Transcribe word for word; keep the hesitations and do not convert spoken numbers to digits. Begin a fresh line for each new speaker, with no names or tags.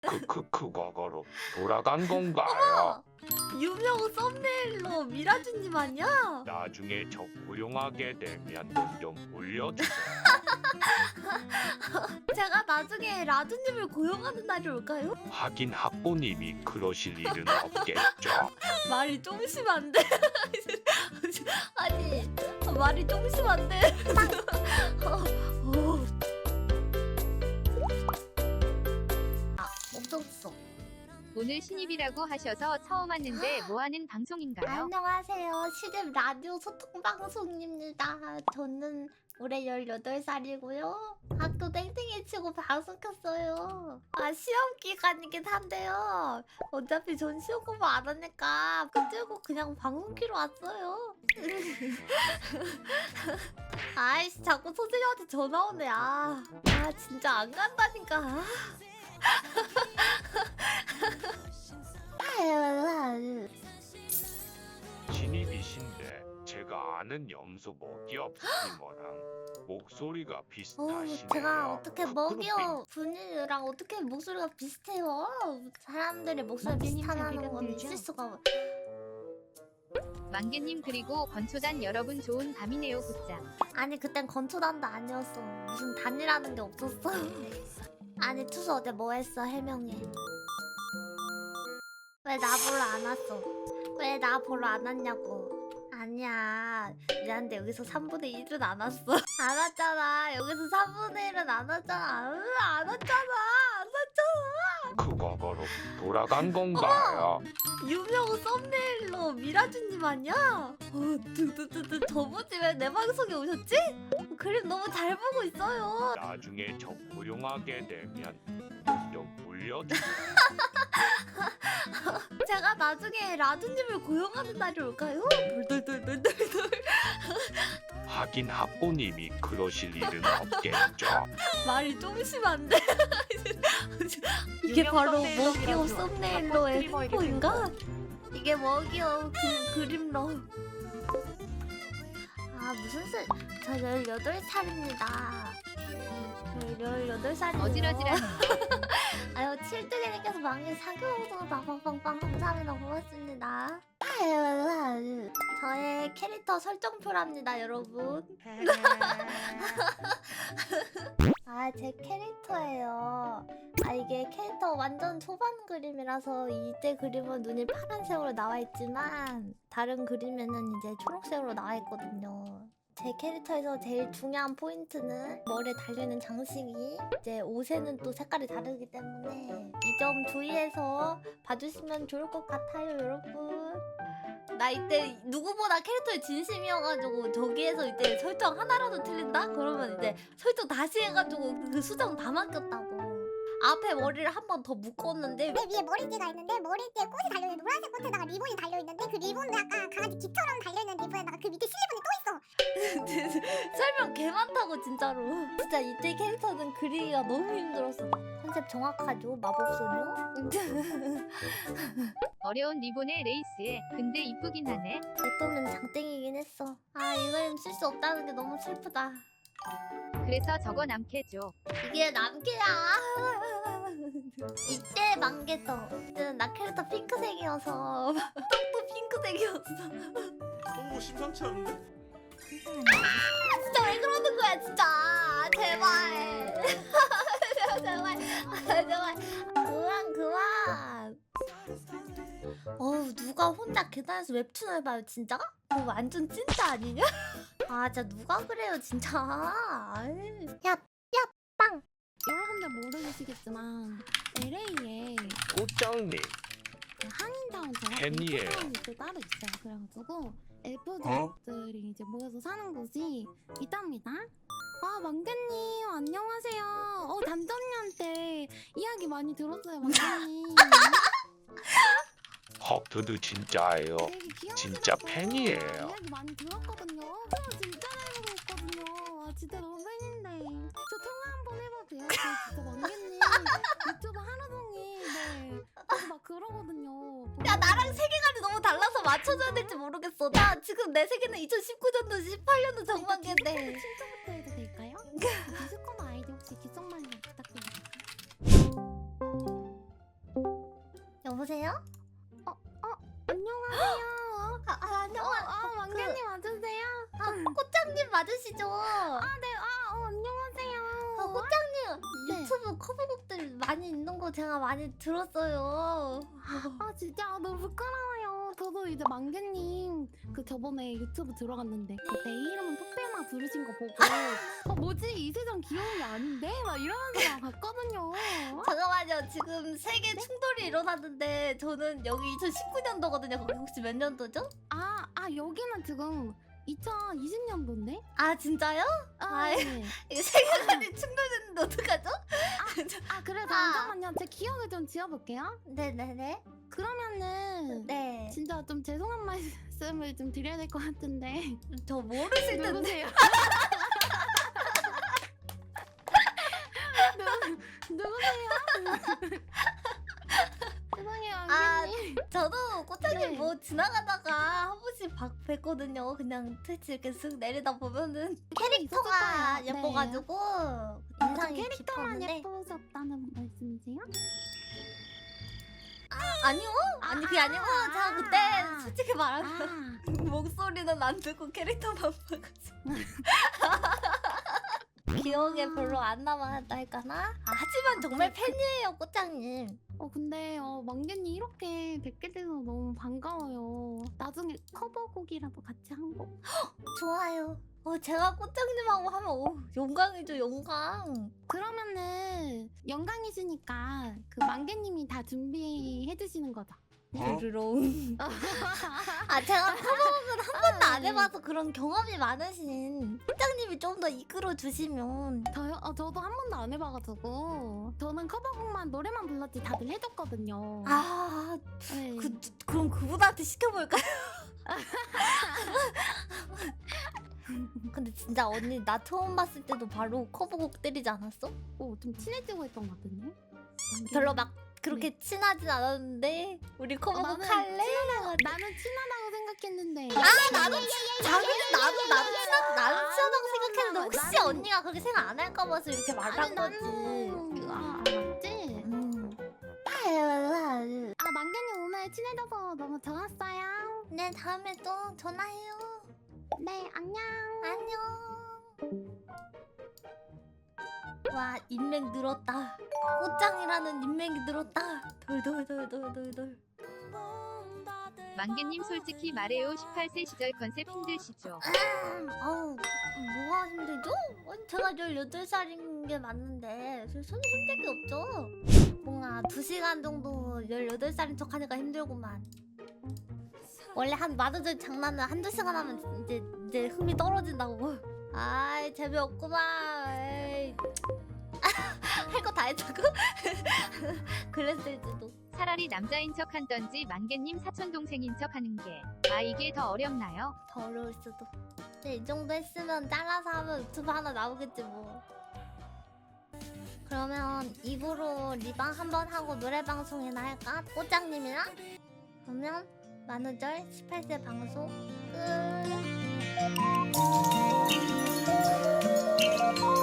크크크 과거로 돌아간 건가요?
어머! 유명 썸네일로 미라주님 아니야?
나중에 저 고용하게 되면 돈 좀 올려주세요.
제가 나중에 라주님을 고용하는 날이 올까요?
하긴 학부님이 그러실 일은 없겠죠.
말이 좀 심한데? 아니 말이 좀 심한데? 어, 어. 아 없었어.
오늘 신입이라고 하셔서 처음 왔는데 뭐하는 방송인가요?
안녕하세요. 시집 라디오 소통 방송입니다. 저는 올해 열여덟 살이고요. 학교 땡땡이 치고 방송 켰어요. 아 시험 기간이긴 한데요. 어차피 전 시험 공부 안 하니까 끝들고 그냥 방송 키러 왔어요. 아이씨 자꾸 선생님한테 전화 오네. 아, 아 진짜 안 간다니까.
신입이신데 제가 아는 염소 먹이업 스트리머랑 목소리가 비슷하시네요.
어, 제가 어떻게
크크루핑.
먹이요 분이랑 어떻게 목소리가 비슷해요? 사람들의 목소리 비슷하다는 건 있을 수가.
만개님 그리고 건초단 여러분 좋은 밤이네요 굿잠.
아니 그땐 건초단도 아니었어. 무슨 단이라는 게 없었어. 아니 투수 어제 뭐 했어 해명해. 왜 나 보러 안 왔어? 왜 나 보러 안 왔냐고. 아니야 미안한데 여기서 삼분의 일은 안 왔어. 안 왔잖아. 여기서 삼분의 일은 안 왔잖아. 으, 안 왔잖아. 안 왔잖아.
그 과거로 돌아간 건가요?
유명 썸네일로 미라주님 아니야? 어, 두두두두 저번에 왜 내 방송에 오셨지? 그림 너무 잘 보고 있어요.
나중에 저 고용하게 되면 돈 좀 올려주세요.
제가 나중에 라주님을 고용하는 날이 올까요? 돌돌돌돌돌돌.
하긴 학부님이 그러실 일은 없겠죠.
말이 좀 심한데? 이게 바로 먹이오 썸네일로의 횡포인가? 이게 먹이오 그 그림로. 아 무슨 소? 저 열여덟 살입니다. 저 열여덟 살이에요.
어질어질하네.
아유 칠두개님께서 만개 사교도 빵빵빵빵 감사합니다. 고맙습니다. 저의 캐릭터 설정표랍니다 여러분. 아 제 캐릭터예요. 아 이게 캐릭터 완전 초반 그림이라서 이때 그림은 눈이 파란색으로 나와 있지만 다른 그림에는 이제 초록색으로 나와 있거든요. 제 캐릭터에서 제일 중요한 포인트는 머리에 달려있는 장식이 이제 옷에는 또 색깔이 다르기 때문에 이 점 주의해서 봐주시면 좋을 것 같아요 여러분. 나 이때 누구보다 캐릭터에 진심이어가지고 저기에서 이제 설정 하나라도 틀린다? 그러면 이제 설정 다시 해가지고 그 수정 다 맡겼다고. 앞에 머리를 한 번 더 묶었는데
내 위에 머리띠가 있는데 머리띠에 꽃이 달려있는 노란색 꽃에다가 리본이 달려있는데 그 리본도 약간 강아지 귀처럼 달려있는 리본에다가 그 밑에 실리본이 또 있어.
설명 개 많다고 진짜로. 진짜 이때 캐릭터는 그리기가 너무 힘들었어. 컨셉 정확하죠 마법소녀?
어려운 리본의 레이스에 근데 이쁘긴 하네.
내돈은 장땡이긴 했어. 아 이 그림 쓸 수 없다는 게 너무 슬프다.
그래서 저거 남캐죠.
이게 남캐야. 이때 만개떠. 이때는 나 캐릭터 핑크색이어서 똥도 핑크색이었어.
오 심상치 않은데?
진짜 왜 그러는 거야 진짜. 제발. 제발. 제발. 그만 그만. 어우 누가 혼자 계단에서 웹툰을 봐요 진짜? 그거 완전 찐따 아니냐? 아 진짜 누가 그래요 진짜. 아이.
여러분들 모르시겠지만 엘에이에
꽃장님
그 한인타운 제가
팬이에요.
타운이 또 따로 있어요. 그래가지고 엘프들이 이제 모여서 사는 곳이 있답니다. 아 만개님 안녕하세요. 어 담담이한테 이야기 많이 들었어요 만개님.
헉드드 진짜예요.
되게 귀여우시더라고요.
진짜 팬이에요.
이야기 많이 들었거든요. 저 진짜 잘 보고 있거든요. 아 진짜 너무 팬인데 저 통화 한번 해봐도 돼요? 저 진짜 만개님 유튜브 하루 종일 네 저도 막 그러거든요.
야 나랑 세계관이 너무 달라서 맞춰줘야 될지 모르겠어. 나 지금 내 세계는 이천십구 년도 십팔 년도 정반기인데.
신청부터 해도 될까요? 디스코드 아이디 혹시 기성만님 부탁드립니다.
여보세요?
안녕하세요.
아, 아
어,
안녕하.
아, 망개님 맞으세요?
아, 꽃장님 맞으시죠?
아, 네. 아, 어, 안녕하세요.
아, 꽃장님
네.
유튜브 커버곡들 많이 있는 거 제가 많이 들었어요.
아, 진짜 너무 부끄러워요. 저도 이제 망개님 그 저번에 유튜브 들어갔는데 그 내 이름은 토페마 부르신 거 보고 어, 뭐지? 이 세상 귀여운 게 아닌데? 막 이러면서 막 봤거든요.
잠깐만요. 지금 세계 충돌이 일어났는데 저는 여기 이천십구 년도거든요. 거기 혹시 몇 년도죠?
아, 아 여기는 지금 이천이십 년도인데?
아 진짜요?
아,
아이.
네.
이게 세계관이 충돌됐는데 어떡하죠?
아 그래서
아.
잠깐만요. 제 기억을 좀 지어볼게요.
네네네.
그러면은
네.
진짜 좀 죄송한 말씀을 좀 드려야 될 것 같은데
저 모르실 텐데.
누구세요? 누, 누구세요? 죄송해요,
아,
언니.
저도 꽃장님
네.
뭐 지나가다가 한 번씩 봐- 뵀거든요. 그냥 트위치 이렇게 쓱 내리다 보면은 캐릭터가
있었을 거예요.
예뻐가지고
아,
인상이
캐릭터만
깊었는데.
예쁘셨다는 말씀이세요?
아, 아니요? 아니 그게 아니고
아,
제가 그때
아.
솔직히 말하면
아,
목소리는 안 듣고 캐릭터만 봐가지고 기억에 별로 안 남았달까나? 아, 하지만 정말 팬이에요 꽃장님.
어 근데 어 망개님 이렇게 뵙게 돼서 너무 반가워요. 나중에 커버곡이라도 같이 한 곡.
좋아요. 어, 제가 꽃장님하고 하면 오, 영광이죠 영광.
그러면은 영광이시니까 그 망개님이 다 준비해 주시는 거죠.
드르렁. 아 제가 커버곡은 한 번도 안 해봐서 그런 경험이 많으신 꽃장님이 좀 더 이끌어 주시면.
저요? 어, 저도 한 번도 안 해봐가지고 저는 커버곡만 노래만 불렀지 다들 해줬거든요.
아
네.
그, 그럼 그분한테 시켜볼까요? 근데 진짜 언니 나 처음 봤을 때도 바로 커버곡 때리지 않았어?
오, 좀 친해지고 있던 것 같은데?
별로 막 그렇게 친하진 않았는데 우리 커버곡
나는
할래?
나는 친하다고 생각했는데.
아 나도 당연히 나도 나도 친하 나도 친하다고 생각했는데
나는-
혹시
나는-
언니가 그렇게 생각 안 할까 봐서 이렇게 말한
아니,
거지.
나는 아 맞지?
음.
아 망개님 오늘 친해져서 너무 좋았어요.
네 다음에 또 전화해요.
네 안녕.
안녕. 와 인맥 늘었다. 꽃장이라는 인맥이 늘었다. 돌돌돌돌돌돌.
망개님 솔직히 말해요. 십팔 세 시절 컨셉 힘드시죠?
아, 아우 뭐가 힘들죠? 아니, 제가 열여덟 살인 게 맞는데 저 손이 힘들 게 없죠. 뭔가 두 시간 정도 열여덟 살인 척 하니까 힘들구만. 원래 한 마더들 장난은 한두 시간 하면 이제 이제 흥미 떨어진다고. 아이 재미없구만. 에이. 할 거 다 했다고? 그랬을지도.
차라리 남자인 척 한던지 망개님 사촌 동생인 척 하는 게. 아 이게 더 어렵나요?
더 어려울 수도. 근데 이 정도 했으면 잘라서 하면 유튜브 하나 나오겠지 뭐. 그러면 입으로 리방 한번 하고 노래 방송이나 할까? 꽃장님이랑? 그러면 만우절 십팔 세 방송 끝.